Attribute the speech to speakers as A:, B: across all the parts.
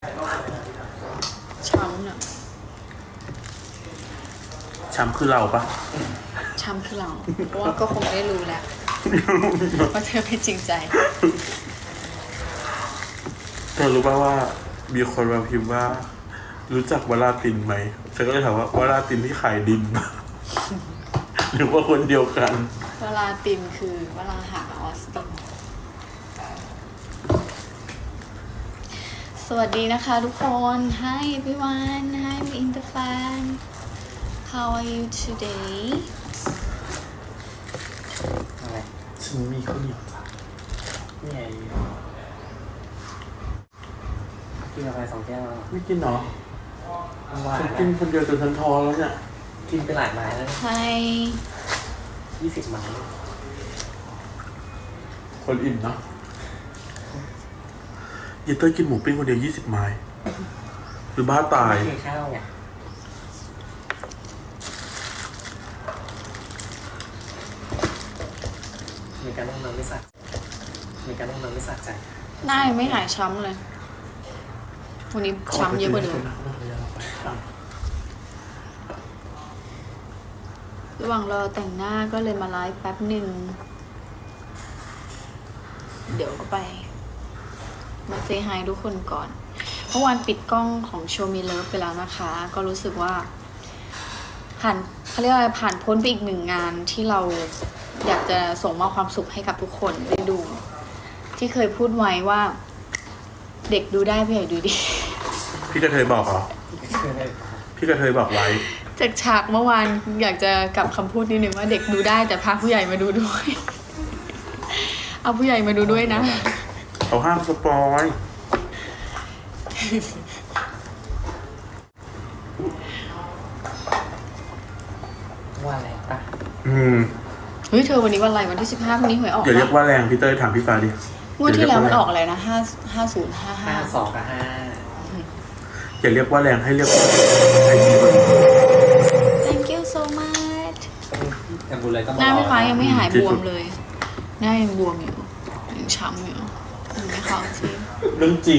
A: ช้ำน่ะ
B: ช้ำคือเราปะ
A: ช้ำคือเราเพราะว่าก็คงได้รู้แหละว่าเธอไม่จริงใจ
B: เธอรู้ป่ะว่ามีคนมาพิมพ์ว่ารู้จักวราตินไหมฉันก็เลยถามว่าวราตินที่ขายดิน หรือว่าคนเดียวกัน
A: เวลาตินคือเวลาหาออสตินสวัสดีนะคะทุกคน Hi everyone Hi I'm in the fan How are you today
C: อะไร
B: ฉันมีข้าวเหนียวจ้ะ
C: นี่ไงกินกาแฟ2 แก้วแล้ว
B: ไม่กินเหรอ
C: ว่า
B: ฉันกินคนเดียวจนฉันท้อแล้วเนี่ย
C: กินไปหลายไม้แล้ว
A: Hi
C: 20 ไม้
B: คนอิ่มเนาะเยเต้ยกินหมูปิ้งคนเดียว20 ไม้หรือบ้าตาย
C: ไม่กินข้าวไงมีการนั่งนอนไม่สักใจ
A: หน้ายังไม่หายช้ำเลยวันนี้ช้ำเยอะกว่าเดิมระหว่างรอแต่งหน้าก็เลยมาไลฟ์แป๊บหนึ่งเดี๋ยวก็ไปมาเซฮายทุกคนก่อนเมื่อวานปิดกล้องของโชว์มีเลิฟไปแล้วนะคะก็รู้สึกว่าเขาเรียกอะไรผ่านพ้นไปอีกหนึ่งงานที่เราอยากจะส่งมอบความสุขให้กับทุกคนได้ดูที่เคยพูดไว้ว่าเด็กดูได้ผู้ใหญ่ดูดี
B: พี่กระเทยบอกเหรอพี่กระเทยบอกไว้
A: จากฉากเมื่อวานอยากจะกลับคำพูดนิดนึงว่าเด็กดูได้แต่พาผู้ใหญ่มาดูด้วย เอาผู้ใหญ่มาดูด้วยนะ
B: เขาห้ามสปอย
C: ว่าอะไรปะ
A: เฮ้ยเธอวันนี้วันอะไรวันที่15พรุ่งนี้หวยออก
B: อย่าเรียกว่าแรงพี่เต้ยถามพี่ฟ้าดิ
A: งวดที่แล้วมันออกอะไรนะ5055
C: 52 กับ 5
B: อย่าเรียกว่าแรงให้เรียกว่าไอซี
A: Thank you so much
C: แต่บุญเลยต้อง
A: หน้าพี่ฟ้ายังไม่หายบวมเลยหน้ายังบวมอยู่ยังช้ำอยู่ยังไม่เข้าที่
B: เรื่องจริง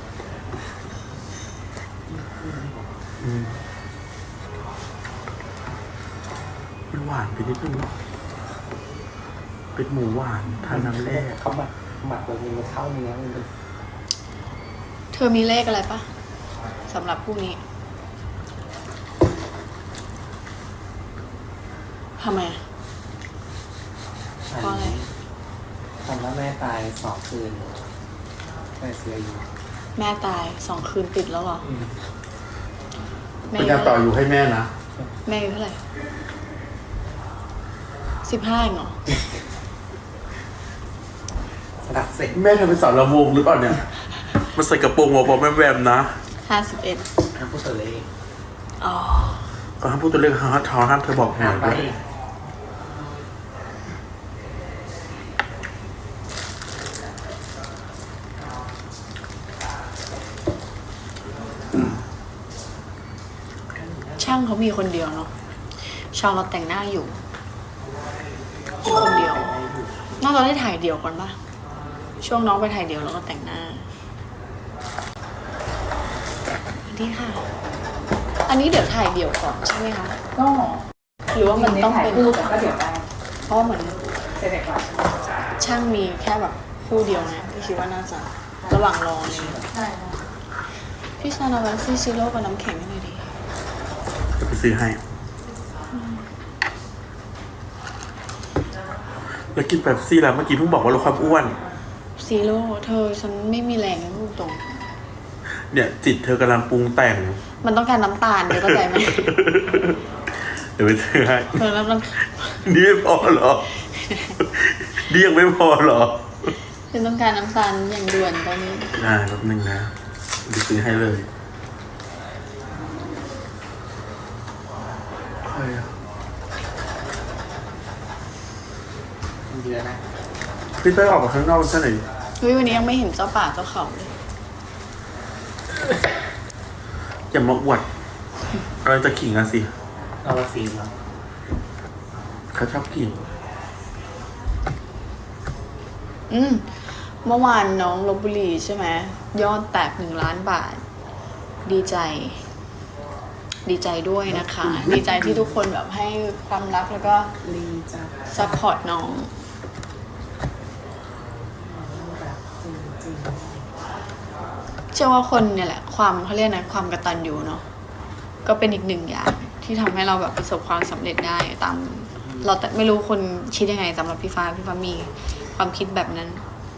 B: มันหวานไปนิดนึงเนาะเป็นหมูหวานทานน้ำแร่
C: เขาหมักแบบนี้มันเข้าเนื้อมันเป็น
A: เธอมีเลขอะไรปะสำหรับพรุ่งนี้ทำไมเพราะอะไร
C: ตอนว่าแม่ตาย2 คืนแม่เสียอยู่
A: แม่ตาย2 คืนติดแล้วเหรอ
B: เป็นการต่ออยู่ให้แม่นะ
A: แม่อายุเท่าไหร่15เองเหรอ
C: รักเสร็จ
B: แม่เธอเป็นสาวลำวงหรือเปล่าเนี่ยมาใส่กระโปรงหัวแวมๆนะ
A: 51
C: ห้ามพูดตัวเลข
A: อ๋อ
B: ก็ห้ามพูดตัวเลขห้ามเธอบอกหน่อยด้วย
A: ช่างเขามีคนเดียวเนาะชาวเราแต่งหน้าอยู่มีคนเดียวน่าจะได้ถ่ายเดี่ยวก่อนปะช่วงน้องไปถ่ายเดี่ยวแล้วก็แต่งหน้านี่ค่ะอันนี้เดี๋ยวถ่ายเดี่ยวก่อนใช่ไหมคะ
D: ก็
A: หรือว่ามันต้องเป็น
D: คู่แต่ก็เดี๋ยวได้
A: เพราะเหมือน
D: เสร็จก่อน
A: ช่างมีแค่แบบคู่เดียวนะพี่คิดว่าน่าจะระหว่างรอเลย
D: ใช่
A: พี่ซานาวันซีซิโร่กับน้ำแข็งให้หน่อยดิ
B: จะไปซื้อให้แล้วกินแบบซี่แล้วเมื่อกี้เพิ่งบอกว่าลดความอ้วน
A: ซีโร่เธอฉันไม่มีแรงนะพูดตรง
B: เนี่ยจิตเธอกำลังปรุงแต่ง
A: มันต้องการน้ำตาลเดี๋ยวเข้าใจไหม
B: เดี๋ยวไปซื้อให้
A: เธอแล้ว
B: นี่ไม่พอหรอนี่ยังไม่พอหรอ
A: ฉันต้องการน้ำตาลอย่างด่วนตอนนี้
B: ได้แป๊บนึงนะไปซื้อให้เลยใครอะ
C: เดือนนะ
B: พี่เต้ยออกมาข้างนอกใช่ไหม
A: เฮ้ยวันนี้ยังไม่เห็นเจ้าป่าเจ้าเขาเลย
B: อย่ามาอวดเราจะขิงกันสิ
C: เอาละสีแล้ว
B: เขาชอบขิง
A: เมื่อวานน้องลพบุรีใช่ไหมยอดแตก1 ล้านบาทดีใจ ดีใจด้วยนะคะ ดีใจที่ทุกคนแบบให้ความรักแล้วก็
D: ลีจ้ะ
A: ซัพพอร์ตน้อง
D: แบบจริง
A: เชื่อว่าคนเนี่ยแหละความเขาเรียกนะความกตัญญูเนาะก็เป็นอีกหนึ่งอย่างที่ทำให้เราแบบประสบความสำเร็จได้ตาม เราแต่ไม่รู้คนคิดยังไงสำหรับพี่ฟ้ามีความคิดแบบนั้น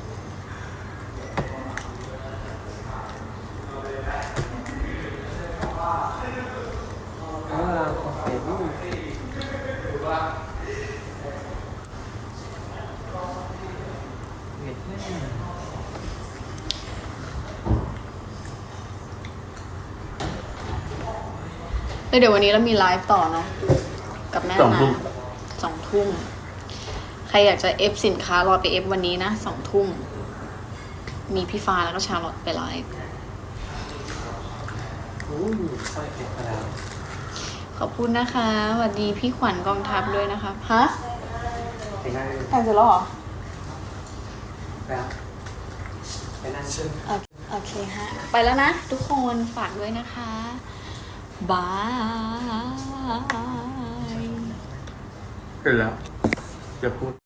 C: เออของเฟซบุ๊กเวียดนาม
A: แล้วเดี๋ยววันนี้เรามีไลฟ์ต่อเนาะกับแม่
B: 2
A: นา
B: ทุ่ม
A: 2 ทุ่มใครอยากจะเอฟสินค้ารอไปเอฟวันนี้นะ2 ทุ่มมีพี่ฟ้าแล้วก็ชาลอตไปไลฟ์
C: อู้สร้อยเพชรมาแล้ว
A: ขอบคุณนะคะสวัสดีพี่ขวัญกองทัพด้วยนะคะฮะ
C: ไปนั่ง
A: แต่งเสร็จแล้วเหรอ
C: แล้วไปนั่งเชื่อ
A: โอเคฮะ ไปแล้วนะ ทุกคนฝากด้วยนะคะบาย
B: เสร็จแล้วจะพูด